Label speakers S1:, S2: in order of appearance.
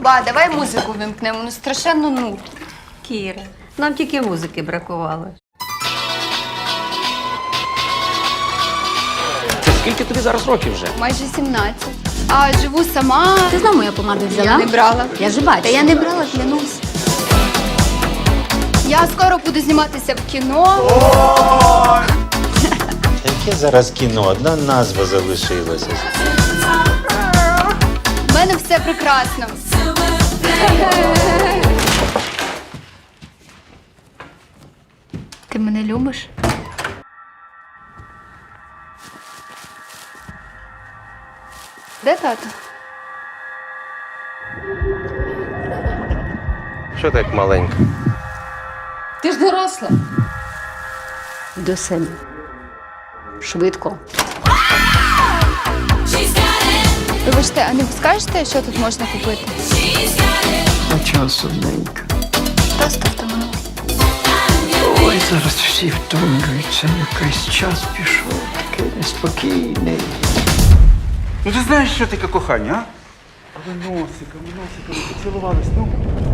S1: Ба, давай музику вимкнемо, ну страшенно нудно.
S2: Кіра, нам тільки музики бракувало.
S3: Скільки тобі зараз років вже?
S1: Майже 17. А живу сама.
S2: Ти знову моя помада взяла?
S1: Я не брала.
S2: Я ж бачу.
S1: Та я не брала, клянусь. Я скоро буду зніматися в кіно.
S4: Яке зараз кіно? Одна назва залишилася.
S1: У мене все прекрасно. Ти мене любиш? Де тато?
S3: Що так маленька?
S2: Ти ж доросла. До себе. Швидко.
S1: Вибачте, а не скажете, що тут можна купити?
S5: А часу ненька.
S1: Просто втомила.
S5: Ой, зараз всі втомлюються. Якийсь час пішов, такий неспокійний.
S6: Ну ти знаєш, що таке кохання, а? Носиком, не поцілувались, ну.